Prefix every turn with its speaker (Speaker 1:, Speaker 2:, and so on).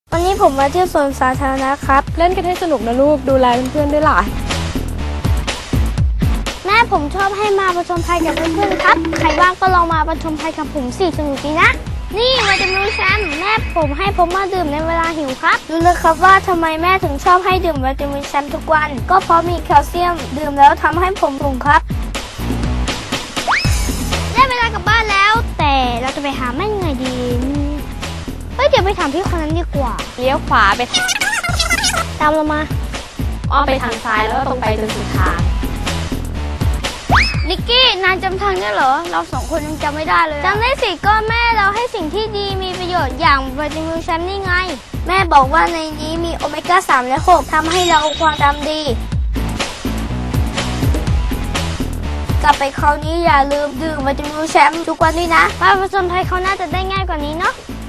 Speaker 1: วันนี้ผมมาเที่ยวสวนสาธารณะครับ
Speaker 2: เล่นกันให้สนุกนะลูกดูแลเพื่อนๆด้วยล่ะ
Speaker 1: แม่ผมชอบให้มาประชมภัยกับเพื่อนๆครับใครว่างก็ลองมาประชมภัยกับผมสิสนุกดีนะนี่วิตามินแชมป์แม่ผมให้ผมมาดื่มในเวลาหิวครับรู้เลยครับว่าทำไมแม่ถึงชอบให้ดื่มวิตามินแชมป์ทุกวันก็เพราะมีแคลเซียมดื่มแล้วทำให้ผมสูงครับได้เวลากลับบ้านแล้วแต่เราจะไปหาแม่ยังไงดีเดี๋ยวไปถามพี่คนนั้นดีกว่า
Speaker 2: เลี้ยวขวาไป
Speaker 1: ตามเรามา
Speaker 2: อ้อมไปทางซ้ายแล้วก็ตรงไปจนสุดทาง
Speaker 1: นิกกี้นายจำทางได้เหรอเราสองคนยังจำไม่ได้เลยจำได้สิก็แม่เราให้สิ่งที่ดีมีประโยชน์อย่างวิตามินแชมป์นี่ไงแม่บอกว่าในนี้มีโอเมก้า3และ6ทำให้เราความจำดีกลับไปคราวนี้อย่าลืมดื่มวิตามินแชมป์ทุกวันด้วยนะมาผจญภัยเขาน่าจะได้ง่ายกว่านี้เนาะ